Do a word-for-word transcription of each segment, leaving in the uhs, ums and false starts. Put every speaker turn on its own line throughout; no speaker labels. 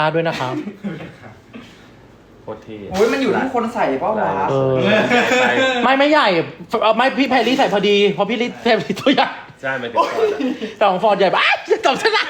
ด้วยนะครับ
โคตรเท่
โอ้ยมันอยู่ที่คนใส่เปล่าวะ
เออไม่ไม่ใหญ่เอ่อไม่พี่แพรรี่ใส่พอดีเพราะพี่ลิแพรรี่ตัวใหญ่
ใช่ไม่ถึงก่อนอะ
แต่ของฟอร์ดใหญ่ปะอ้าวตอบชนะ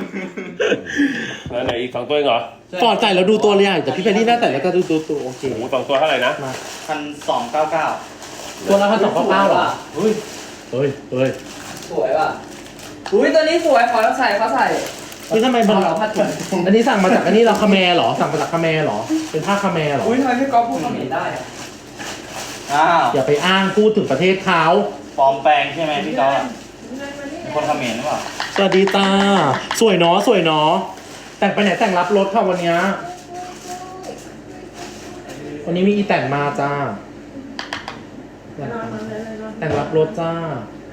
แล้วไหนอีกสองตัวเองเหรอ
ฟอร์ดใส่แล้วดูตัวใหญ่แต่พี่แพรรี่น่าใส่แล้วก็ดูตัวตัวโอเค
โอ้โหสองตัวเท่าไหร่นะ
มา
พันสองเก้าเก้า
ตัวละพันสองเก้าเก้าหรอ
เฮ้ย
เฮ้ยเฮ้ย
สวยว่ะอุ้ยตัวนี้สวยขอเราใส่เขาใส่
คือทำไมมัน
เราผ้าถุง
อันนี้สั่งมาจากอันนี้เราคาแมร์เหรอสั่งมาจากคาแมร์เหรอเป็นผ้าคาแมร์เหรอ
อุ้ยทำไมพี่ก๊อฟพูดเขมรได้อะอ้าว
อย่าไปอ้างพูดถึงประเทศเขา
ปลอมแปลงใช่ไหมพี่ก๊อฟอะคนเขมรหรือเปล่า
สวัสดีจ้าสวยเนาะสวยเนาะแต่งไปไหนแต่งรับรถค่ะวันเนี้ยวันนี้มีอีแต่งมาจ้าแต่งรับรถจ้า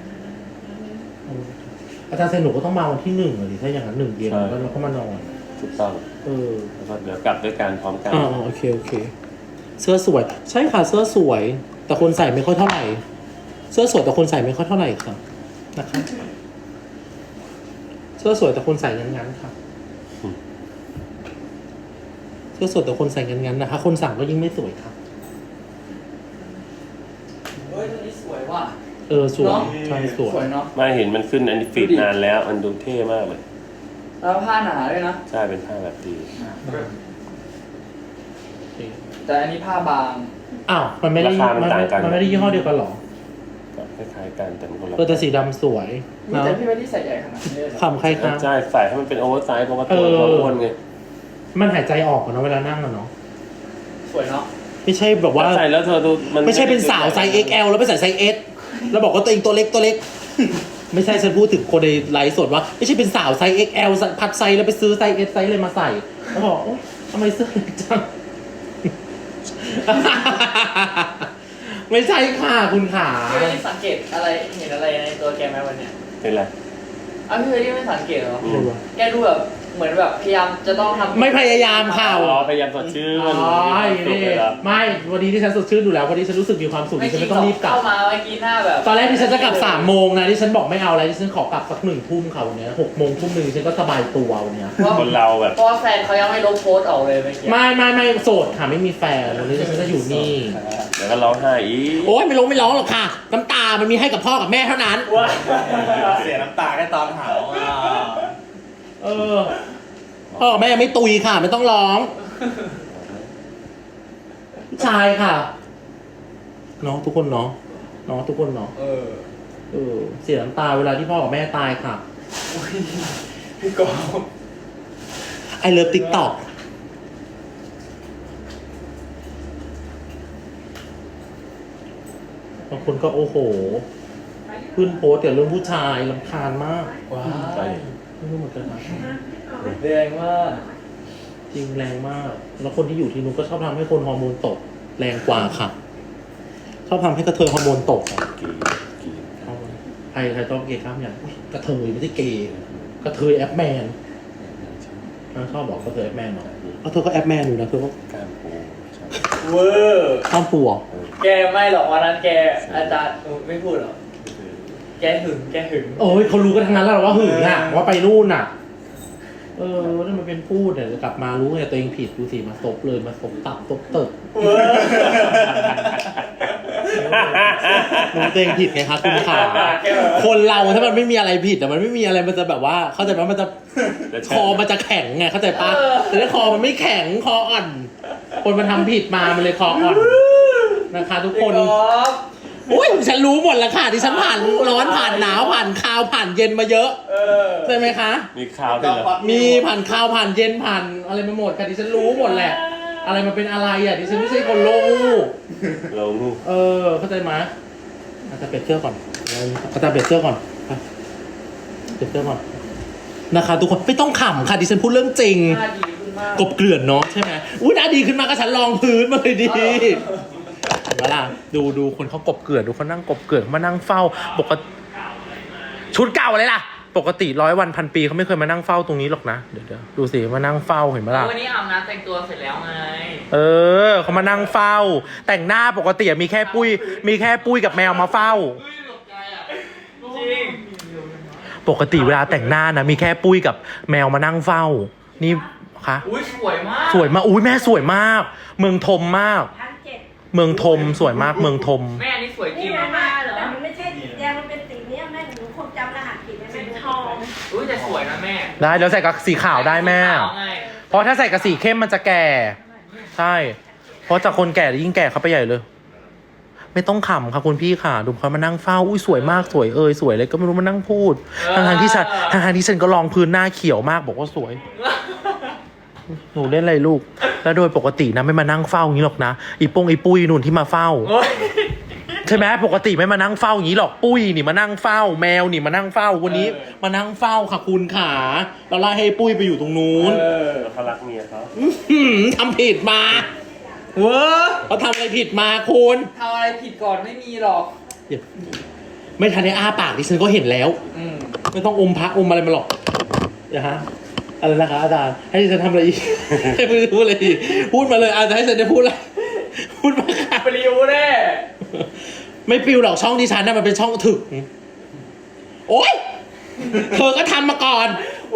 อาจารย์เซนหนูก็ต้องมาวันที่หนึ่งเลยถ้าอย่างนั้นหนึ่งเย็นแล้วเราก็มานอน
ถูกต้อง
เออ
แล้วก็เดี๋ยวกลับด้วยกันพร้อมกัน
อ่าโอเคโอเค เสื้อสวย ใช่ค่ะเสื้อสวย แต่คนใส่ไม่ค่อยเท่าไหร่ เสื้อสวยแต่คนใส่ไม่ค่อยเท่าไหร่ค่ะนะคะเสื้อสวยแต่คนใส่งั้นๆค่ะเสื้อสวยแต่คนใส่งั้นๆนะคะ คนสั่งก็ยิ่งไม่สวยค่ะ
เฮ้ยตัวนี้สวยว่ะ
เออสวยใช่สวย
สวยเนาะ
มาเห็นมันขึ้นอันนี้ฟีดนานแล้วมันดูเท่มากเลย
แล้วผ้าหนาด้วยนะ
ใช่เป็นผ้าแบบดี
แต่อันนี้ผ้าบาง
อ้าวมันไม่ได้มันไม่มันไม่ได้ยี่ห้อเดียวกันหรอ
ก็คล้ายๆกันแต่มันคนละ
เออแต่สีดำสวย
นี่
เนาะ
แต่พี่ไม่ได้ใส่ใหญ่ขนาดนี้เลยเหรอ
ขำใครคะ
ใช่ใส่ให้มันเป็นโอเวอร์ไซส์เพราะว่าตัว
เออ
เราอ้วนไง
มันหายใจออกอะเนาะเวลานั่งอะเนาะ
สวยเนาะ
ไม่ใช่แบบว่า
ใส่แล้วเธอดูมัน
ไม่ใช่เป็นสาวไซส์ เอ็กซ์ แอล แล้วไปใส่ไซส์ S แล้วบอกว่าตัวเองตัวเล็กตัวเล็ก ไม่ใช่ฉันพูดถึงคนในไลฟ์สดว่าไม่ใช่เป็นสาวไซส์ เอ็กซ์ แอล พัดไซส์แล้วไปซื้อไซส์ S ไซส์เลยมาใส่แล้วบอกโอ๊ยทำไมเสื้อเล็กจัง ไม่ใช่ค่ะคุณขา
พี่ไม่ได้สังเกตอะไรเห็นอะไรในตัวแกไหมวันเนี้ย
เป็นไร
อ้าวพี่ไม่ได้ไม่สังเกตเหรอ
อืม
แกดูแบบเหมือนแบบพยายามจะต้องทำ
ไม่พยายามค่ะ
อ๋อพยายามสดชื่น
อ๋อ
สุด
นี่
เลยเหรอ
ไม่วันนี้ที่ฉันสดชื่นดูแล้ววันนี้ฉันรู้สึกมีความสุขที่ฉันไม่ต้องรีบกลับ
เข้ามาเมื่อกี้หน้าแบบ
ตอนแรกที่ฉันจะกลับสามโมงนะที่ฉันบอกไม่เอาแล้วที่ฉันขอกลับสักหนึ่งทุ่มค่ะวันเนี้ยหกโมงทุ่มหนึ่งฉันก็สบายตัววันเนี้ย
เพราะ
คนเราแบบ
เพราะว่าแฟนเขายังไม่ลบโพสต์ออกเลยเมื่อกี้
ไม่ไม่ไม่โสดค่ะไม่มีแฟนวันนี้ฉันจะอยู่นี่
เดี๋ยวก็ร้องไห้อีก
โอ้ยไม่ร้องไม่ร้องหรอกค่ะ น้ำตามันมีให้กับพ่อกับแม่เท่านั้น
เสียน้ำตาแค่ตอนหาวอ่ะ
เออพ่อกับแม่ยังไม่ตุยค่ะ ไม่ต้องร้องผู้ชายค่ะเนาะทุกคนเนาะเนาะทุกคนเนาะ
เออ
เออเสียน้ำตาเวลาที่พ่อกับแม่ตายค่ะ
อุ๊ยพี่กอล์ฟ
ไอเลิฟติ๊กต็อกบางคนก็โอ้โหขึ้นโพสต์แต่เรื่องผู้ชายรำคาญมาก
ว้า
ใช่
ไม่รู้เหมือนกันนะ
แรงมาก
จริงแรงมาก แล้วคนที่อยู่ที่นู้นก็ชอบทำให้คนฮอร์โมนตก แรงกว่าค่ะ ชอบทำให้กระเทยฮอร์โมนตกอะ
กีกี
เอาไว้ใครใครต้องเกย์ข้ามอย่างอุ๊ยกระเทยไม่ใช่เกย์กระเทยแอปแมนอ่ะชอบบอกกระเทยแอปแมนเหรอเอาเธอก็แอปแมนอยู่นะเธอก็
กล้ามปูใช่
เวอร์
ข้ามปัว
เออ
แกไม่หรอกวันนั้นแกอาจารย์เออไม่พูดหรอกแกหึงแกหึง
โอ้ยเขารู้กันทั้งนั้นแล้วเหรอว่าหึงอ่ะว่าไปนู่นอ่ะ เออถ้ามันเป็นพูดเนี่ยกลับมารู้ไงตัวเองผิดดูสิมาซบเลยมาซบตับซบเติบ
เวอร์
รู้ตัวเองผิดไงคะคุณขาคนเราถ้ามันไม่มีอะไรผิดแต่มันไม่มีอะไรมันจะแบบว่า เข้าใจไหมมันจะคอมันจะแข็งไงเข้าใจปะแต่ถ้าคอมันไม่แข็งคออ่อน คนมันทำผิดมามันเลยคออ่อนนะคะ ทุกคน
พี่กอล์ฟ
อุ้ยฉันรู้หมดแล้วค่ะที่ฉันผ่านร้อนผ่านหนาวผ่านคาวผ่านเย็นมาเยอะ
เออ
ใช่ไหมคะ
มีข่าวด้วยเหรอ
มีผ่านคาวผ่านเย็นผ่านอะไรมาหมดค่ะที่ฉันรู้หมดแหละ อะไรมันเป็นอะไรอ่ะที่ฉันไม่ใช่คนโลก
ลง
เออเข้าใจไหมอาจจะเปลี่ยนเสื้อก่อนอาจจะเปลี่ยนเสื้อก่อนไปเปลี่ยนเสื้อก่อนนะคะทุกคนไม่ต้องขำค่ะดิฉันพูดเรื่องจริง
หน้าดีขึ้นมาก
กบเกลื่อนเนาะใช่ไหมอุ้ยหน้าดีขึ้นมาก็ฉันลองพื้นมาเลยดีเห็นไหมล่ะดูดูคนเขากบเกลื่อนดูเขานั่งกบเกลื่อนเขามานั่งเฝ้าปกติชุดเก่าเลยล่ะ ปกติร้อยวันพันปีเขาไม่เคยมานั่งเฝ้าตรงนี้หรอกนะเดี๋ยวเดี๋ยวดูสิมานั่งเฝ้าเห็นไหมล่ะ
วันนี้อาบน้ำแต่งตัวเสร็จแล้วไง
เออเขามานั่งเฝ้า แต่งหน้าปกติมีแค่ปุ้ย มีแค่ปุ้ยกับแมวมาเฝ้า
จริง
ปกติเวลาแต่งหน้านะมีแค่ปุ้ยกับแมวมานั่งเฝ้า นี่คะ
อุ้ยสวยมาก
สวยมากอุ้ยแม่สวยมาก เมืองทมมาก
พันเจ็ด
เมืองทมสวยมากเมืองทม
แม่อันนี่สวยจริ
นี่
ง
นะมาเหรอแต่มันไม่ใช่สีแดงมันเป็นสีเนี้ยแม่หนูคงจำรหัสผิดนะแม่ทอง
อุ้ยแต่สวยนะแม่
ได้แล้วใส่กับสีขาวได้แม่
ขาวไง
เพราะถ้าใส่กับสีเข้มมันจะแก่ ใช่ เพราะจากคนแก่ยิ่งแก่เขาไปใหญ่เลย ไม่ต้องขำค่ะคุณพี่ค่ะ ดูเขามานั่งเฝ้า อุ้ยสวยมากสวยเอยสวยเลยก็ไม่รู้มานั่งพูด ทางทางๆที่ฉันทางทางๆที่ฉันก็ลองพื้นหน้าเขียวมากบอกว่าสวย หนูเล่นอะไรลูก แล้วโดยปกตินะไม่มานั่งเฝ้าอย่างนี้หรอกนะ อีปงอีปุ้ยนุ่นที่มาเฝ้า
โอ้ย
ใช่ไหมปกติไม่มานั่งเฝ้าอย่างนี้หรอก ปุ้ยนี่มานั่งเฝ้า แมวนี่มานั่งเฝ้า วันนี้
เออ
มานั่งเฝ้าค่ะคุณขาเราไล่ให้ปุ้ยไปอยู่ตรงนู้น
เออ
แล้วเขารักเมียเขา
หืมทำผิดมา
เว้อ
เขาทำอะไรผิดมาคุณ
ทำอะไรผิดก่อนไม่มีหรอก
ไม่ทันได้อ้าปากดิฉันก็เห็นแล้ว
อืม
ไม่ต้องอมพระอมอะไรมาหรอกอย่าฮะอะไรนะคะอาจารย์ให้ดิฉันทำอะไรอีก ให้พูดอะไรอีกพูดมาเลยอาจารย์ให้ฉันได้พูดอะไรพูดมาค่ะ
ปลิวแน่
ไม่ปิวหรอกช่องดิฉันน่ะมันเป็นช่องถึก โอ๊ยเธอก็ทำมาก่อน
โอ้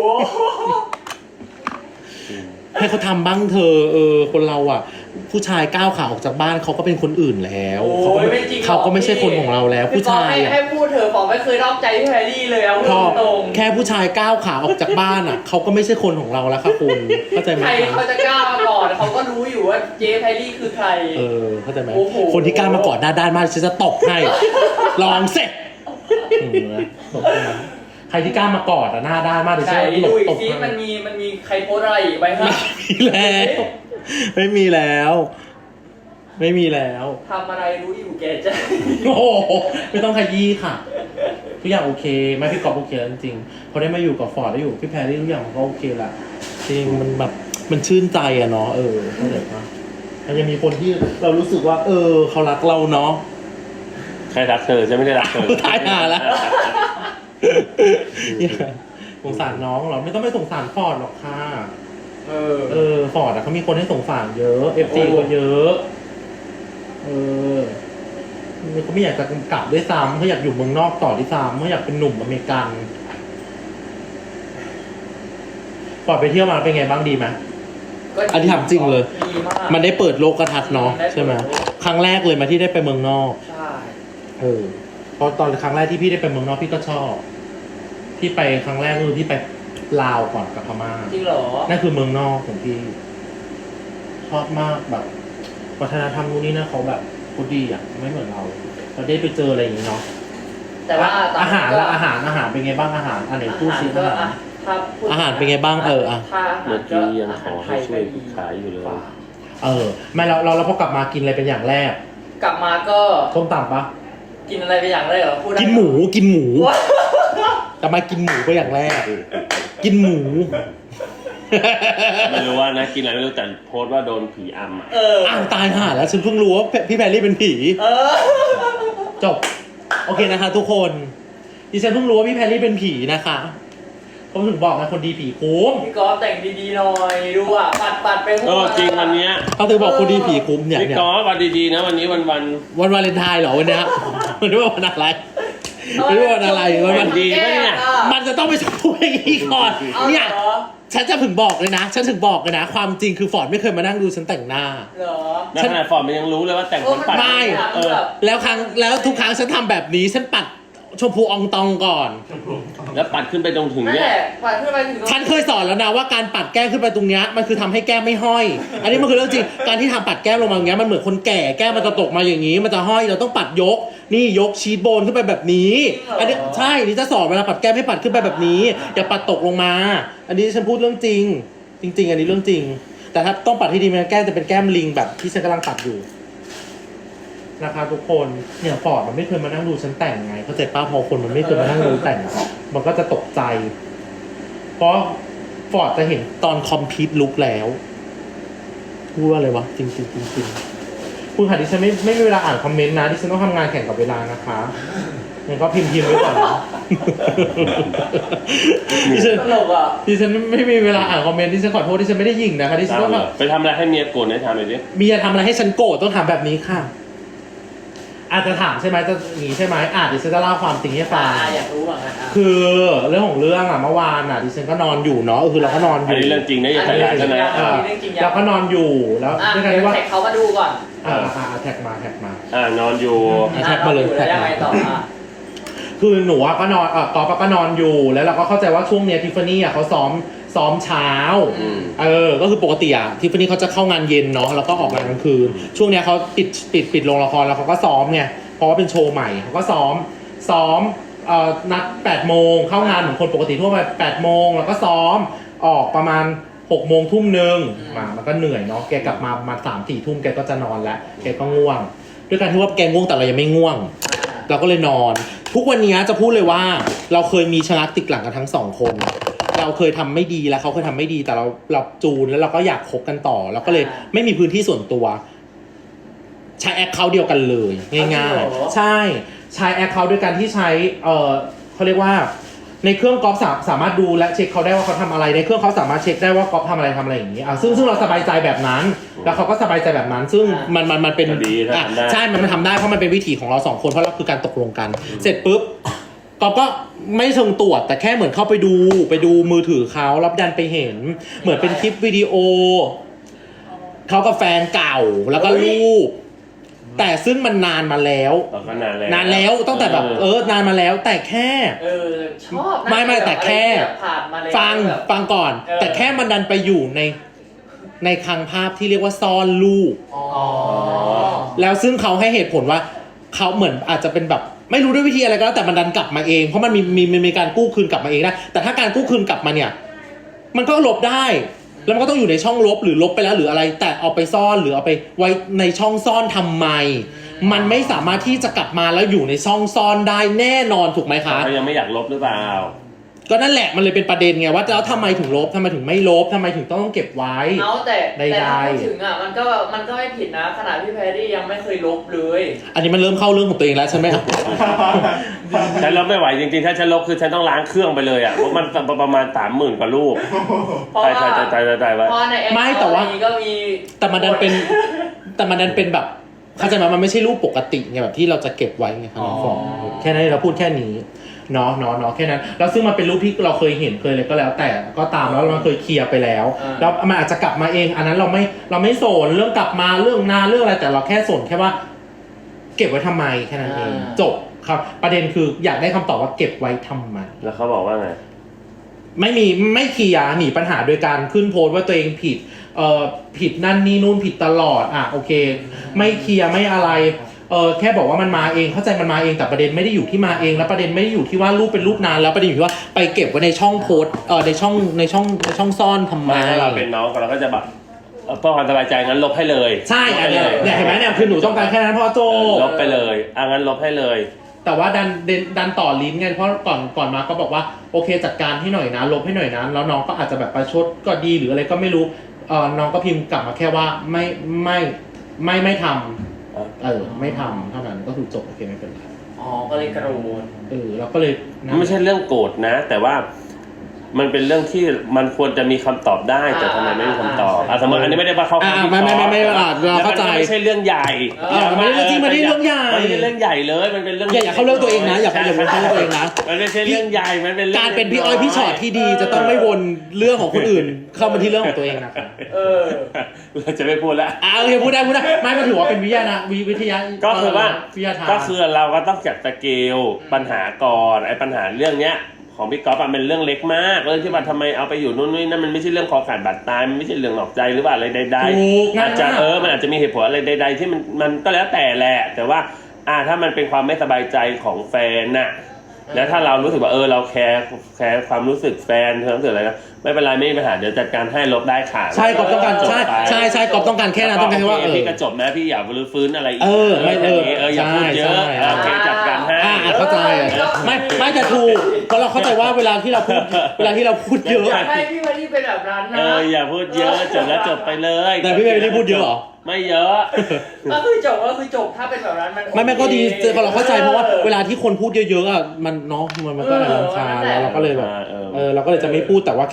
ให้เขาทำบ้างเธอเออคนเราอ่ะ ผู้ชายก้าวขาออกจากบ้านเขาก็เป็นคนอื่นแล้วเขาก็
ย
ไม่
ไม่จริงหรอ
เขาก็ไม่ใช่คนของเราแล้ว ผู้ชาย
ให้
อ่ะ
ให้พูดเถอะฟองไม่เคยนอกใจพี่แพรรี่เลยเอา
พอ
ตรง
แค่ผู้ชายก้าวขาออกจากบ้านอ่ะเขาก็ไม่ใช่คนของเราแล้วค่ะคุณเข้าใจไหม
ใคร
คะ
เขาจะกล้ามาก่อนเขาก็รู้อยู่ว่าเจ๊แพรรี่คือใคร
เออเข้าใจไหม
โอ้โห
คนที่กล้ามากอดหน้าด้านมากฉันจะตบให้ ลองเสร็จอืมนะตบให้นะใครที่กล้ามากอดอ่ะหน้าด้านมากเดี๋ยวฉั
ใช่
นจะหล
ดู
บ
อี
ต
ก
บ
ที
ให้
มันมีมันมีใครโพสต์อะไรอีกไหมครับ
ไม่มีแล้วไม่มีแล้ว ไม่มีแล้ว
ทำอะไรรู้อยู่แก่ใจ
โอ้โหไม่ต้องขยี้ค่ะทุกอย่างโอเคแม่พี่กอบโอเคแล้วจริงๆพอได้มาอยู่กับฟอร์ดได้อยู่กับพี่แพรรี่ทุกอย่างมันก็โอเคละจริงมันแบบมันชื่นใจอะเนาะเออเข้าใจปะมันยังมีคนที่เรารู้สึกว่า เออเขารักเราเนาะ
ใครรักเธอจะไม่ได้รักเธอ
ตายหาแล้ว สงสารน้องเหรอไม่ต้องไปสงสารฟอร์ดหรอกค่ะ
เออ
เออฟอร์ดอะเขามีคนให้สงสารเยอะเอฟซีก็เยอะ เออเขาไม่อยากจะกลับด้วยซ้ำเขาอยากอยู่เมืองนอกต่อด้วยซ้ำเขาอยากเป็นหนุ่มอเมริกันฟอร์ดไปเที่ยวมาเป็นไงบ้างดีไหม อันนี้ถามจริงเลย
ดีมาก
มันได้เปิดโลกทัศน์เนาะ
ได้เปิด
ใช่ไหมครั้งแรกเลยมาที่ได้ไปเมืองนอก
ใช่
เออเพราะตอนครั้งแรกที่พี่ได้ไปเมืองนอกพี่ก็ชอบพี่ไปครั้งแรกคือพี่ไปลาวก่อนกับพม่า
จริงเหรอ
นั่นคือเมืองนอกของพี่ชอบมากแบบวัฒนธรรมนู้นนี่นะเขาแบบเขาดีอ่ะไม่เหมือนเราเราได้ไปเจออะไรอย่างนี้เนาะ
แต่ว่าตน
อา
นี้
หาร
ก็
ละอาหารอาหารเป็นไงบ้างอาหารอันไหนพูดซิ
ก็
อาหาร
อ่ะถ้าพูด
อาหารเป็นไงบ้างเอออ่ะ
ถ้าอาหาร
เมื่อกี้ยังขอ
อาหารไท
ให้
ย
ช่วย
ก็ดี
ขายอยู่เลย
เออไม่เราเราเราพอกลับมากินอะไรเป็นอย่างแรก
กลับมาก็
ส้มตำปะ
กินอะไรไปอย่างแรกเหรอพูดได้
กินหมูกินหมูกลับมากินหมูเป็นอย่างแรก กินหมู
ไม่รู้ว่านะกินอะไรไม่รู้แต่โพสต์ว่าโดนผีอำอะ
เออ
อ้าวตายห่าแล้วฉันเพิ่งรู้ว่าพี่แพรรี่เป็นผี
เออ
จบโอเคนะคะ ทุกคนดิฉันเพิ่งรู้ว่าพี่แพรรี่เป็นผีนะคะผมถึงบอกนะคนดีผีคุ้ม
พี่กอล์ฟแต่งดีๆหน่อยดูอ่ะปัดปัดๆไปหมด
เออจริงวันเนี้ย
เขาถึงบอกคนดีผีคุ้มเนี่ย
พี่
เนี่ย
กอล์ฟวันดีๆนะวันนี้วันวัน
วันวาเลนไทน์เหรอวันเนี้ย มันไม่ว่าวันอะไรไม่ว่าวันอะไรวันวัน
ดีปะเนี่ย
มันจะต้องไปชมพูอย่างนี้ก่อน
เอา
เนี่ย
เหรอ
ฉันจะถึงบอกเลยนะ ฉันถึงบอกเลยนะ ความจริงคือฟอร์ดไม่เคยมานั่งดูฉันแต่งหน้า
เหรอ
ในขณะฟอร์มมันยังรู้เลยว่าแต่งคนปัด
ไม่
เออ
แล้วครั้งแล้วทุกครั้งฉันทำแบบนี้ฉันปัดชมพูอองตองก่อน
แล้วปัดขึ้นไปตรงถึง
นั่น
เนี่
แห
ย
ละปัดขึ้นไปถึง
ฉันเคยสอนแล้วนะว่าการปัดแก้มขึ้นไปตรงเนี้ยมันคือทำให้แก้มไม่ห้อย อันนี้มันคือเรื่องจริง การที่ทำปัดแก้มลงมาอย่างเงี้ยมันเหมือนคนแก่แก้มมันจะตกมาอย่างนี้ มันจะห้อยเราต้องปัดยก นี่ยกชีทโบนขึ้นไปแบบนี้ อันนี้ใช่นี่จะสอนเวลาปัดแก้มให้ปัดขึ้นไปแบบนี้ อย่าปัดตกลงมา อันนี้ฉันพูดเรื่องจริง จริง ๆ อันนี้เรื่องจริง แต่ถ้าต้องปัดให้ดีมันแก้มจะเป็นแก้มลิงแบบที่ฉันกำลังปัดอยู่นะครับทุกคนเนี่ยฟอร์ดมันไม่เคยมานั่งดูฉันแต่งไงเข้าใจป้าพอคนมันไม่เคยมานั่งดูแต่งอะมันก็จะตกใจ เพราะฟอร์ดจะเห็นตอนคอมพิวต์ลุกแล้วพูดว่าอะไรวะจริงจริงจริงจริงคุณค่ะดิฉันไม่ไม่มีเวลาอ่านคอมเมนต์นะดิฉันต้องทำงานแข่งกับเวลานะคะงั้นก็พิมพ์พิมพ์ไว้ก่อนนะดิฉัน
ตลกอ่ะ
ดิฉันไม่มีเวลาอ่านคอมเมนต์ดิฉันขอโทษดิฉันไม่ได้ยิงนะคะดิฉัน
ตาม
ต้อง
เล
แบ
ย
บ
ไปทำอะไรให้เมียโกรธให้ทำหน่อยดิ
มีจะทำอะไรให้ฉันโกรธต้องถามแบบนี้ค่ะอาจจะถามใช่ไหมจะหนีใช่ไหมอ่ะดิฉันจะเล่าความจริงให้ฟั
อ่าง อยากรู้เหมือนกันอ่ะ
คือเรื่องของเรื่องอ่ะเมื่อวานอ่ะดิฉันก็นอนอยู่เนาะคือเราก็นอนอ
อัน
ยู่
นี้เรื่องจริงนะอย่า
อัน
ข
นี้
ยัน
เรื่
ใช่
อง
ไหม
จริง
เออเราก็นอนอยู่แล้ว
อ่ะ
ด้วยกัน
เดี๋ยว
ที่ว่า
แท็กเขามาดูก่อน
อ่าอ่าแท็กมาแท็กมา
อ่านอนอยู่
อ่ะแท็กมาเลย
อ่ะ
แท็ก
แล้ว
มา
ยังไงต่ออ่ะ
คือหนูอะก็นอนเออกอฟก็นอนอยู่แล้วเราก็เข้าใจว่าช่วงเนี้ยทิฟฟานี่อะเขาซ้อมซ้อมเช้า
อืม
เออก็คือปกติอะทิฟฟานี่เขาจะเข้างานเย็นเนาะแล้วก็ออกงานกลางคืนช่วงเนี้ยเขาปิดปิดปิดโรงละครแล้วเขาก็ซ้อมไงเพราะว่าเป็นโชว์ใหม่เขาก็ซ้อมซ้อมเอ่อนัดแปดโมงเข้างานเหมือนคนปกติทั่วไปแปดโมงแล้วก็ซ้อมออกประมาณหกโมงทุ่มหนึ่งมามันก็เหนื่อยเนาะแกกลับมาประมาณสามสี่ทุ่มแกก็จะนอนแล้วแกก็ง่วงด้วยการที่ว่าแกง่วงแต่เรายังไม่ง่วง เราก็เลยนอน ทุกวันนี้จะพูดเลยว่าเราเคยมีชะงักติดหลังกันทั้งสองคน เราเคยทำไม่ดีแล้วเขาเคยทำไม่ดีแต่เราเราจูนแล้วเราก็อยากคบกันต่อเราก็เลยไม่มีพื้นที่ส่วนตัว ใช้แอคเคาท์เดียวกันเลยง่ายๆใช่ใช้แอคเคาท์ด้วยการที่ใช้เออเขาเรียกว่าในเครื่องกอล์ฟสาสามารถดูและเช็คเขาได้ว่าเขาทำอะไรในเครื่องเขาสามารถเช็คได้ว่ากอล์ฟทำอะไรทำอะไรอย่างนี้อ่ะซึ่งซึ่งเราสบายใจแบบนั้น แล้วเขาก็สบายใจแบบนั้น ซึ่งมันมันมันเป็น
ก็ดีถ้า
อ่ะ
ทำได้
ใช่มันมันทำได้เพราะมันเป็นวิถีของเราสองคนเพราะเราคือการตกลงกัน เสร็จปุ๊บกอล์ฟก็ไม่เชิงตรวจแต่แค่เหมือนเข้าไปดูไปดูมือถือเขารับดันไปเห็น เหมือนเป็นคลิปวิดีโอเขากับแฟนเก่าแล้วก็รูปแต่ซึ่งมันนานมาแล้ว
เราก็นานแล้ว
นานแล้วตั้งแต่แบบเออนานมาแล้วแต่แค่
เออชอบนะ
ไม่ไม่แต่แค่
บบผ่านมาแล้ว
ฟัง
แบบ
ฟังก่อน
เออ
แต่แค่มันดันไปอยู่ในในคลังภาพที่เรียกว่าซ่อนรูป
อ๋อ
แล้วซึ่งเขาให้เหตุผลว่าเขาเหมือนอาจจะเป็นแบบไม่รู้ด้วยวิธีอะไรก็แล้วแต่มันดันกลับมาเองเพราะมันมีมีมีมีการกู้คืนกลับมาเองได้แต่ถ้าการกู้คืนกลับมาเนี่ยมันก็ลบได้ แล้วมันก็ต้องอยู่ในช่องลบหรือลบไปแล้วหรืออะไร แต่เอาไปซ่อนหรือเอาไปไว้ในช่องซ่อนทำไม มันไม่สามารถที่จะกลับมาแล้วอยู่ในช่องซ่อนได้แน่นอนถูกไหมคะ
เขายังไม่อยากลบหรือเปล่า
ก็นั่นแหละมันเลยเป็นประเด็นไงว่าแล้วทำไมถึงลบทำไมถึงไม่ลบทำไมถึงต้องเก็บไว้
เอาแต่
ใดๆ
แต่ถ้าพูดถึงอ่ะมันก็มันก็ไม่ผิดนะขนาดพี่แพรรี่ยังไม่เคยลบเลย
อันนี้มันเริ่มเข้าเรื่องของตัวเองแล้วใช่ไหม
ฉันลบไม่ไหวจริงๆ ถ้าฉันลบคือฉันต้องล้างเครื่องไปเลยอ่ะเพราะมันประมาณสามหมื่นกว่ารูป
เพราะ
ตาย
ว่า
ตายตายตายตายไว้
เพราะในแอป
ไม่แต่ว่า
ก็มี
แต่มันดันเป็นแต่มันดันเป็นแบบเข้าใจไหมมันไม่ใช่รูปปกติไงแบบที่เราจะเก็บไว้ไงครับน้องฟองแค่นั้นเราพูดแค่นี้เนาะเนาะเนาะแค่นั้นแล้วซึ่งมันเป็นรูปที่เราเคยเห็นเคยเลยก็แล้ว แต่ก็ตามแล้วเราเคยเคลียร์ไปแล้วแล้วมันอาจจะกลับมาเอง อันนั้นเราไม่เราไม่สนเรื่องกลับมาเรื่องนานเรื่องอะไรแต่เราแค่สนแค่ว่า เก็บไว้ทำไมแค่นั้นเองจบครับ ประเด็นคืออยากได้คำตอบว่าเก็บไว้ทำไม
แล้วเขาบอกว่าไง
ไม่มีไม่เคลียร์หนีปัญหาโดยการขึ้นโพสต์ว่าตัวเองผิดเอ่อผิดนั่นนี่นู่นผิดตลอดอ่ะโอเค ไม่เคลียร์ไม่อะไรเออแค่บอกว่ามันมาเองเข้าใจมันมาเองแต่ประเด็นไม่ได้อยู่ที่มาเองแล้วประเด็นไม่ได้อยู่ที่ว่ารูปเป็นรูปนานแล้วประเด็นอยู่ที่ว่าไปเก็บไว้ในช่องโพสต์เออในช่องในช่องในช่องซ่อนทำไม
ไม่ถ้าเราเป็นน้องกันเราก็จะแบบเอ่อเพื่อความสบายใจงั้นลบให้เลย
ใช่
ลบ
อัน
ให้
เนี้
เลย ย
เนี่ยเห็นไหมเนี่ยคือหนูต้องการแค่นั้นพ่อโจ
ลบไปเลยอ่ะงั้นลบให้เลย
แต่ว่าดันดันดันต่อลิ้นไงเพราะก่อนก่อนมาก็บอกว่าโอเคจัดการให้หน่อยนะลบให้หน่อยนะแล้วน้องก็อาจจะแบบประชดก็ดีหรืออะไรก็ไม่รู้เออน้องก็พิมพ์กลับมาแค่ว่าไม่ไม่ไม่ไม่ทำเออไม่ทำเท่านั้นก็คือจบโอเคไม่เป็นไร
อ๋อก็เลยกระโดด
เออเราก็เลยนะ
ไม่ใช่เรื่องโกรธนะ แต่ว่ามันเป็นเรื่องที่มันควรจะมีคำตอบได้แต่ทำไมไม่มีคำตอบอ่ะสมมติอันนี้ไม่ได้ว่าเข้า
อ่า
ข้างพี่
ไม่ไม่ไม่ไม่อ่าเราเข้าใจ
แล้วมันไม่ใช่เรื่องใหญ่
เออมันไม่ได้เรื่องจริงมันไม่ได้เรื่องใหญ่
มันไม่ใช่เรื่องใหญ่เลยมันเป็นเรื่อง
อย่าอย่าเข้าเรื่องตัวเองนะอย่าอย่าเข้าเรื่องตัวเองนะ
มันไม่ใช่เรื่องใหญ่มันเป็นเรื่อง
การเป็นพี่อ้อยพี่ชอตที่ดีจะต้องไม่วนเรื่องของคนอื่น เข้ามาที่เรื่องของตัวเองนะครับ
เออ
เราจะไม่พูดแล้ว
อ่าโอเคพูดได้พูดได้ไม่มาถือว่าเป็นวิทยานะวิวิทยา
ก็คือว่า
วิทยาทาน
ก็คือเราก็ต้องจัดสเกลปัญหาก่อนไอ้ปัญหาเรื่องเนี้ยของพี่ก๊อฟมันเป็นเรื่องเล็กมากเรื่องที่ว่าทำไมเอาไปอยู่นู่นนี่นั่นมันไม่ใช่เรื่องคอขาดบาดตายมันไม่ใช่เรื่องหลอกใจหรือว่าอะไรใด
ถูก
ๆอาจจะ
ง่ายมาก
เออมันอาจจะมีเหตุผลอะไรใด ๆ ที่มันมันก็แล้วแต่แหละแต่ว่าอ่าถ้ามันเป็นความไม่สบายใจของแฟนน่ะแล้วถ้าเรารู้สึกว่าเออเราแคร์แคร์ความรู้สึกแฟนความรู้สึกอะไรนะไม่เป็นไรไม่มีปัญหาเดี๋ยวจัดการให้ลบได้ค่ะ
ใช่กอบต้องการ
จบ
ใช่
ไป
ใช่ใช่กอบต้องการแค่นั้นต้องการแค่ว่า
โอ
เอ
เค
อ
พี่ก็จบนะพี่อย่ารื้อฟื้นอะไรอีก
เออไม่เออ
เอออย่าพูดเยอะ
ใช่ใช่
โอเคจัดการให้
อ่าอ่าเข้าใจไม่ไม่จะถูกเพราะเราเข้าใจว่าเวลาที่เราพูดเวลาที่เราพูดเยอะ
อยากให้พี่แพรรี่เป็นแบบนั้นนะ
เอออย่าพูดเยอะจบแล้วจบไปเลย
แต่พี่เบลลี่พูดเยอะเหรอ
ไม่เยอะ
ก็คือจบก็คือจบถ้าเป็นแบบนั้นมัน
ไม่ไม่ก็ดีเราเข้าใจเพราะว่าเวลาที่คนพูดเยอะๆอ่ะมันเนาะมันมันก็รำคาญแล้วเราก็เลยแบบเออเราก็เลยจะไม่พูดแต่ว่าแค่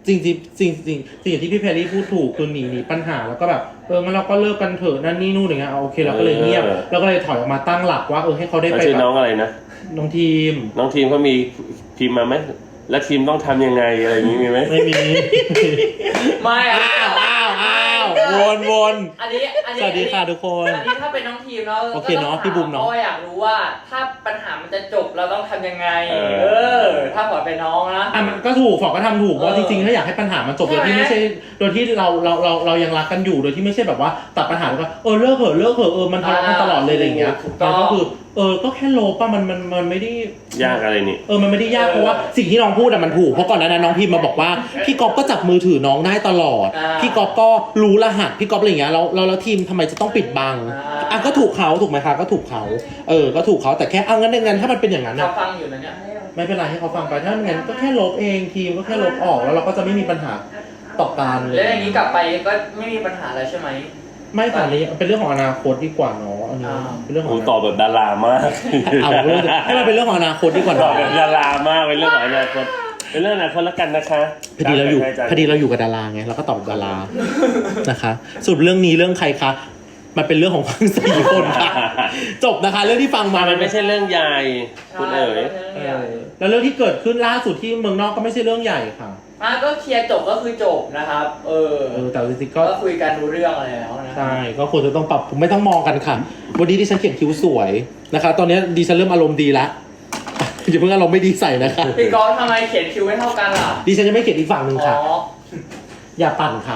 จริงจริงจริงจริงสิ่งที่พี่แพรรี่พูดถูกคือหนีหนีปัญหาแล้วก็แบบเอองั้นเราก็เลิกกันเถอะนั่นนี่นู่นอย่างเงี้ยเอาโอเคเราก็เลยเงียบแล้วก็เลยถอยออกมาตั้งหลักว่าเออให้เขาได้
แล้ว
ไป
ชื่อ
แบ
น้อบ งอะไรนะ
น้องทีม
น้องทีมเขามีพิมพ์มาไหมแล้วทีมต้องทำยังไงอะไรอย่างนี้มีไหม
ไม่มี
ไม่อะ
อ้าวอ้าวอ้าววนวน
อันนี้อันนี้
สวัสดีค่ะทุกคน
อันนี้ถ้าเป็นน้องทีมเนาะ
โอเคเนอะพี่บูมเนอะ
ก็อยากรู้ว่าถ้าปัญหามันจะจบเราต้องทำยังไง
เออ
เออ ถ้าปล่อยเป็นน้องนะ
อ่ะมันก็ถูกฝอกก็ทำถูกเพราะ
เออ
จริงๆถ้าอยากให้ปัญหามันจบโดยที่
ใช่ไหม
ไม่ใช่โดยที่เราเราเราเรายังรักกันอยู่โดยที่ไม่ใช่แบบว่าตัดปัญหาแล้วก็เออเลิกเถอะเลิกเถอะเออมันทะเลาะกันตลอดเลยอะไรอย่างเงี้ย
ถูกต้อง
มันก็คือเออก็แค่โลป่ะมันมันมันไม่ได้
ยากอะไรนี่
เออ มันไม่ได้ยากเพราะว่าสิ่งที่น้องพูดอะมันถูก เพราะก่อนหน้านั้นน้องพิมพ์มาบอกว่าพี่ก๊อฟก็จับมือถือน้องได้ตลอด
อ่า
พี่ก๊อฟก็รู้รหัส พี่ก๊อฟอะไรอย่างเงี้ยแล้วแล้วแล้วทีมทำไมจะต้องปิดบัง
อ่า
อ่ะก็ถูกเขาถูกไหมคะก็ถูกเขาเออ ก็ถูกเขาแต่แค่เอางั้นงั้นถ้ามันเป็นอย่างนั้น
เขา
อะ
ฟังอยู่นะเนี่ย
ไม่เป็นไรให้เขาฟังไปถ้างั้นก็แค่ลบเองทีมก็แค่ลบออกแล้วเราก็จะไม่มีปัญหาต่อการเล
แล้ว
ย
อย่างนี้กลับไปก็ไม่มีปัญหาแล้วใช่ไหม
ไม่ค่ะนี้เป็นเรื่องของอนาคตดีกว่าเนาะอันนี้
อ่า
เป็นเรื่องขอ
กู
ง
ตอบแบบดารามาก
เอาเรื่องให้มันเป็นเรื่องของอนาคตดีกว่า
ตอบ
เนาะ
แบบดารามากเป็นเรื่องของอนาคตเป็นเรื่องอนาคตแล้วกันนะคะ
พอดีเราอยู่พอดีเราอยู่กับดาราไงเราก็ตอบกับดารานะคะสรุปเรื่องนี้เรื่องใครคะมันเป็นเรื่องของทั้งสี่คนค่ะจบนะคะ เรื่องที่ฟังมา
มันไม่ใช่เรื่องใหญ่คุณเอ๋ย
เออแล้วเรื่องที่เกิดขึ้นล่าสุดที่เมืองนอกก็ไม่ใช่เรื่องใหญ่ค่ะ
มาก็เคลียร์จบก็คือจบนะครับ เออ
เออแต่จริงๆก็
ก็คุยกันรู้เรื่องอะไรแล้วนะ
ใช่ก็ควรจะต้องปรับผมไม่ต้องมองกันค่ะ วันนี้ดิฉันเขียนคิ้วสวยนะคะ ตอนนี้ดิฉันเริ่มอารมณ์ดีละอย่าเพิ่งอารมณ์ไม่ดีใส่นะคะ
พี่กอล์ฟทำไมเขียนคิวไม่เท่ากันล่ะ
ดิฉันจะไม่เขียนอีกฝั่งหนึ่ง
อ๋
ค่ะ
อ
อย่าปั่นค่ะ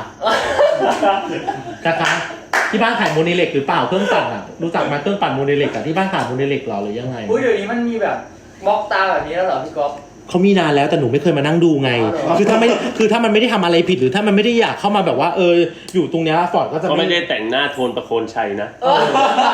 นะคะที่บ้านขายโมเดลเล็กหรือเปล่าเครื่องปั่นอ่ะรู้จักไหมเครื่องปั่นโมเดลเล็กอ่ะที่บ้านขายโมเดลเล็กหรอหรือยังไง
อุ้ยเดี๋ยวนี้มันมีแบบบล็อกตาแบบนี้แล้วเหรอพี่กอล์ฟ
เขามีนานแล้วแต่หนูไม่เคยมานั่งดูไง
อ๋อเหรอ
คือถ้าไม่คือถ้ามันไม่ได้ทำอะไรผิดหรือถ้ามันไม่ได้อยากเข้ามาแบบว่าเอออยู่ตรงเนี้ยฟอร์ดก็จะ
เขาไม่ได้แต่งหน้าโทนประโคนชัยนะ
เออ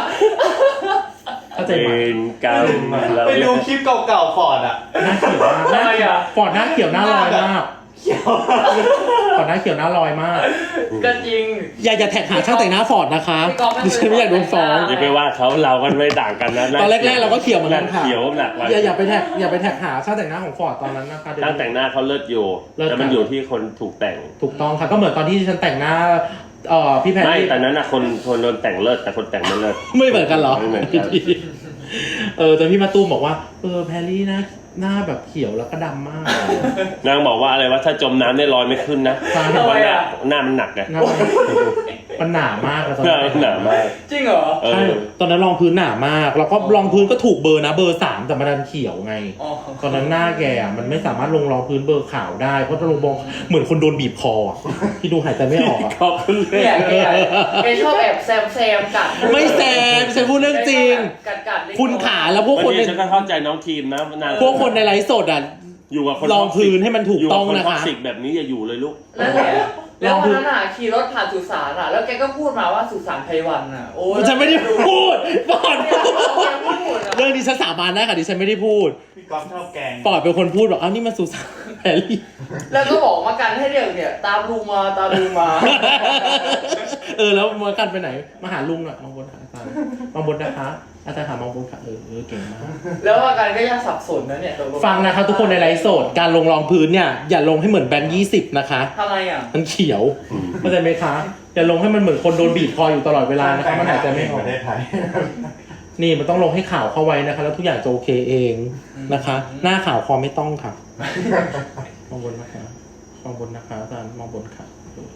เข้าใจ
เว
ไหม
รกรรมเรา
ไปดูคลิปเก่าๆฟอร์ดอ่ะ
หน้าเขียวมากหน้า
ทำไมอ่ะ
ฟอร์ดหน้าเขียวหน้าลอยมาก
เขียว
ฟอร์ดหน้าเขียวหน้าลอยมาก
ก็จริง
อย่าอย่าแท็กหาช่างแต่งหน้าฟอร์ดนะคะ
พี่กอล์ฟไม่
ดิฉันไม่อยากโดนฟ้อง
อย่าไปว่าเขาเรากันไม่ต่างกันนะ
ตอนแรกๆเราก็เขียวเหมือนกันค่ะ
เขียวหนักกว่า
อย่าอย่าไปแท็กอย่าไปแท็กหาช่างแต่งหน้าของฟอร์ดตอนนั้นนะคะเดี๋ยว
ช่างแต่งหน้าเขาเลิศอยู่
เลิศ
แต่มัน
ค่ะ
อยู่ที่คนถูกแต่ง
ถูกต้องค่ะก็เหมือนตอนที่ฉันแต่งหน้าเอ่อพี่แพร
ไม่
รี่
แต่นั้นนะคนคนโดนแต่งเลิศแต่คนแต่งไม่เลิศ
ไม่เหมือนกันเหรอ
ไม่เหมือนกัน
เออแต่พี่มาตูมบอกว่าเออแพรรี่หน้าหน้าแบบเขียวแล้วก็ดำมาก
นางบอกว่าอะไรว่าถ้าจมน้ำได้ลอยไม่ขึ้นนะ
ใช่
ทำไมอ่ะ
หน้ามันหนักไง
หน้ามันหนามากอะตอน
หน้า
นั้
มัน นหนามาก
จริงเหรอ
เอ
ใช่
อ
ตอนนั้นรองพื้นหนามาก แล้วก็
อ๋อ
รองพื้นก็ถูกเบอร์นะเบอร์สามแต่มันดันเขียวไง
อ๋อ
ตอนนั้นหน้าแกอะมันไม่สามารถลงรองพื้นเบอร์ขาวได้เพราะถ้าลงบองเหมือนคนโดนบีบคออะที่ดูหายใจไม่ออกอะ
ขอบคุณเล
เนี่ย ยแกแกชอบแอบแซมแซมกัด
ไม่แซมฉันพูดเรื่องจริง
กัดกัดเล็กน้อย
คุณขาแล้วพวก
วัน
คนใน
นี้ฉันก็เข้าใจน้องทีมนะนาง
พวกคนในไลฟ์สดอ่ะ
อยู่กับคน
รองพื้นให้มันถูกต้อง
ยู่
นะ
กับ
คะ
ท็อกซิกแบบนี้อย่าอยู่เลยลูก
นั่นแหละแล้ววันนั้นอ่ะขี่รถผ่านสุสานอ่ะ แล้วแกก็พูดมาว่าสุสานไพวันอ่ะ โอ้ย
ฉันไม่ได้พูดปอด
เนี่ย
พูด
เขาพูดอะ
เรื่องนี้ฉันสาบานได้ค่ะดิฉันไม่ได้พูด
พี่ก๊อฟชอบแกง
ปอดเป็นคนพูดบอกอ้าวนี่มันสุสานแพรรี่
แล้วก็บอกมากันให้เรียกเนี่ย ตามลุงมาตามลุงมา
เออแล้วมากันไปไหนมาหาลุงหน่อยมองบนหาอาจารย์มองบนนะคะอาจารย์ถามมองบนค่ะเออเออเก่งมาก
แล้วมากันก็ยังสับสนนะเนี่ยตกล
ฟังนะคะทุกคนในไลฟ์สดการลงรองพื้นเนี่ยอย่าลงให้เหมือนแบนยี่สิบนะคะ
ทำไมอ่ะ
มันเขียวเข้าใจไหมคะอย่าลงให้มันเหมือนคนโดนบีบคออยู่ตลอดเวลานะคะมันหายใจไม่อ
ป
อก
ระเทศไทย
นี่มันต้องลงให้ข่าวเข้าไว้นะคะ แล้วทุกอย่างจะโอเคเองนะคะ หน้าข่าวคอไม่ต้องค่ะมองบนนะคะมองบนนะคะอาจารย์มองบนค่ะ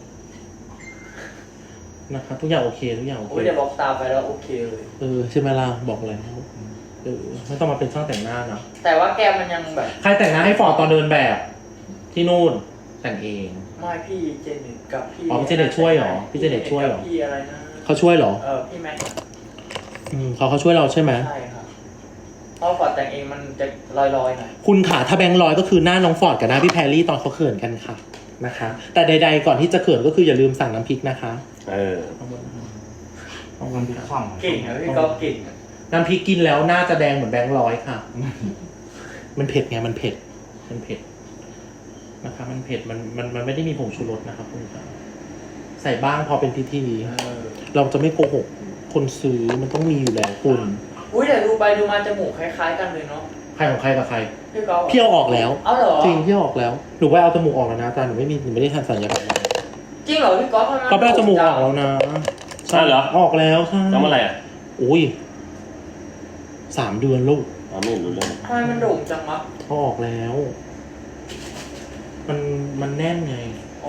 นะคะทุกอย่างโอเคทุกอย่างโอเค
โอ้ยเดี๋ยวบอกตามไปแล้วโอเคเลย
เออใช่ไหมล่ะบอกแล้วเออไม่ต้องมาเป็นช่างแต่งหน้านะ
แต่ว่าแกมันยังแบบ
ใครแต่งหน้าให้ฟอร์ดตอนเดินแบบ ที่นู่นแต่งเอง
ไม่พี่เจเน็ตกับพี่
อ๋อพี่เจเน็ตช่วยเหรอพี่เจเน็ตช่วยเหรอ
กับพี่อะไรนะ
เขาช่วยเหรอ
เออพี่แม็กซ์
อืมเขาเขาช่วยเราใช่ไหม
ใช่ครับเพราะฟอร์ดแต่งเองมันจะลอยๆหน่อย
คุณขาถ้าแบงค์ร้อยก็คือหน้าน้องฟอร์ดกับหน้าพี่แพรรี่ตอนเขาเขินกันค่ะนะคะ แต่ใดๆก่อนที่จะเขินก็คืออย่าลืมสั่งน้ำพริกนะคะ
เออ
เอาบนนะคะเอาบนค่ะ
ช่อง
เก่งนะพี่ก๊อฟเก่งอะ
น้ำพริกกินแล้วหน้าจะแดงเหมือนแบงค์ร้อยค่ะ มันเผ็ดไงมันเผ็ดมันเผ็ดนะคะ มันเผ็ดมันมันมันไม่ได้มีผงชูรสนะคะคุณค่ะใส่บ้างพอเป็นพิธี
เออ
เราจะไม่โกหกคนซื้อมันต้องมีอยู่แล้วคุณ
อุ้ยแต่ดูไปดูมาจมูกคล้ายๆกันเลยเนาะ
ใครของใครกับใคร
พี่ก๊อฟ
พี่เอาออกแล้ว
เอาเหรอ
จริงพี่เอาออกแล้วหนูไปเอาจมูกออกแล้วนะอาจารย์หนูไม่มีหนูไม่ได้ทำสัญญกรรมมา
จริงเหรอพี่ก๊อฟทำไม
ก็ไปเอาจมูกออกแล้วนะ
ใช่เหรอ
ออกแล้วใช่
ทำอะไรอ่ะ
อุ้ยสามเดือนลูก
อ๋อไม่เห็นรู้เรื่อง
ทำไมมันโด่งจังวะ
เขาออกแล้ว มันมันแน่นไง
อ๋อ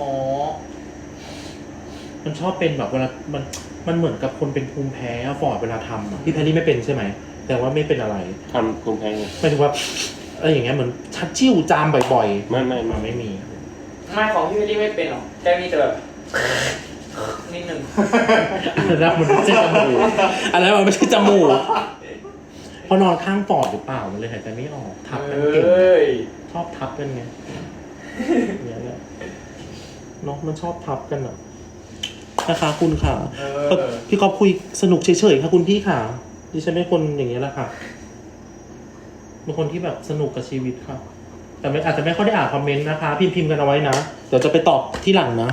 มันชอบเป็นแบบเวลามันมันเหมือนกับคนเป็นภูมิแพ้อะฟอร์ดเวลาทำอะพี่แพรรี่ไม่เป็นใช่ไหมแต่ว่าไม่เป็นอะไร
ทำคุณแพงไง
หมายถึงว่าอะไรอย่างเงี้ยเหมือนชัดจิ้วจามบ่อย
ไม่ไม่
ๆ
ไม่
มันไม่มี
ไม่ของพี่เวลลี่ไม่เป็นหรอกแค่มีแต่แบบนิดนึง
อันนั้นมันไม่ใช่จมูกอันนั้นมันไม่ใช่จมูกเพราะนอนข้างปอดหรือเปล่ามันเลยหายใจไม่ออกทับกันเก่ง
เอ้ย
ชอบทับกันไงเนี่ยแหละเนาะมันชอบทับกันอะนะคะคุณค่ะ
เอ
ก็
อ
พี่ก๊อฟคุยสนุกเฉยๆค่ะคุณพี่ค่ะดิฉันเป็นคนอย่างนี้ยแหละค่ะเป็นคนที่แบบสนุกกับชีวิตค่ะ แต่ไม่อาจจะไม่ค่อยได้อ่านคอมเมนต์นะคะ พิมพ์พิมพ์กันเอาไว้นะเดี๋ยวจะไปตอบที่หลังนะ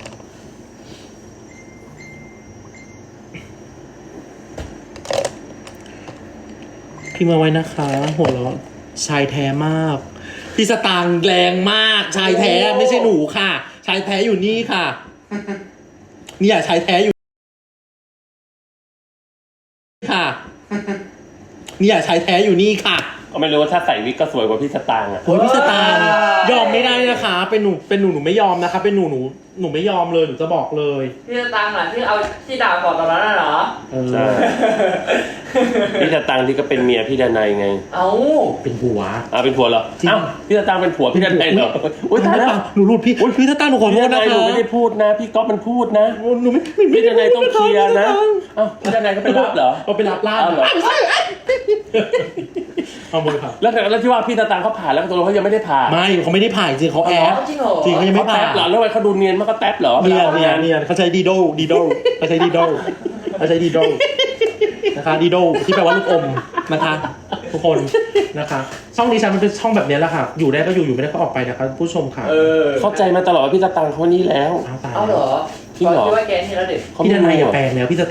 พิมพ์เอาไว้นะคะหัวเราะชายแท้มากพี่สตางค์แรงมาก ชายแท้ไม่ใช่หนูค่ะ ชายแท้อยู่นี่ค่ะเนี่ยชายแท้อยู่ค่ะเนี่ยชายแท้อยู่นี่ค่ะ
ก็ไม่รู้ว่าถ้าใส่วิกก็สวยกว่าพี่สตางค์อ่ะ
โอ้ยพี่สตางค์ยอมไม่ได้นะคะ เป็นหนูเป็นหนูหนูไม่ยอมนะคะ เป็นหนูหนูหนูไม่ยอมเลยหนูจะบอกเลย
พี่จะตังค์เหรอที่เอาที่ด่าก่อนตอนนั้นน่ะเหรอ
เออ
ใช่ พี่สตางค์ที่ก็เป็นเมียพี่ดนัยไง
เอ้า
เป็นผัว
อ้าวเป็นผัวเหรอ
จริง
อ้าวพี่สตางค์เป็นผัวพี่ดนัยเหรออุ้ยตายแล้ว
หนูรูดพี่พี่สตางค์หนูขอโท
พี่
ษ
ด
นะ
นัยห
คะ
นูไม่ได้พูดนะ พี่ก๊อฟมันพูดนะ
หนูไม่ไม่
พี่ดนัยต้องเคลียร์นะอ้าวพี่ดนัยก็ไปรับเหรอ
เอาไปรับล่า
เอาเหรอ
เอามือค่ะ
แล้วแล้วที่ว่าพี่สตางค์เขาผ่าแล้วตกลงเขายังไม่ได้ผ่า
ไม่เขาไม่ได้ผ่าจริงเขาแอบ
จริงเหรอ
จริงเขายังไม่
เขา
ผ่า
แท็บเหรอแล้วทำไมเขาดูเนียนมากก็แท็บเหรอ
เนียน
วลา
เนียน
ทำงา
เนียนเขาใช้ดีโดดีโดเขาใช้ดีโดเขาใช้ดีโดนะคะดีโดที่แปลว่าลูกอมนะคะ ทุกคนนะคะ ช่องดิฉันมันเป็นช่องแบบนี้แหละค่ะ อยู่ได้ก็อยู่อยู่ไม่ได้ก็ออกไปนะคะผู้ชมค่ะ
เออ
เข้าใจมาตลอดว่าพี่สตางค์เขานี่แล้ว
เอาตาย
เอาเหรอ
จริงเหรอ
คิดว่าแกนี่แล้วเด็ก
พี่ดนัยอย่าแปลงแล้วพี่ส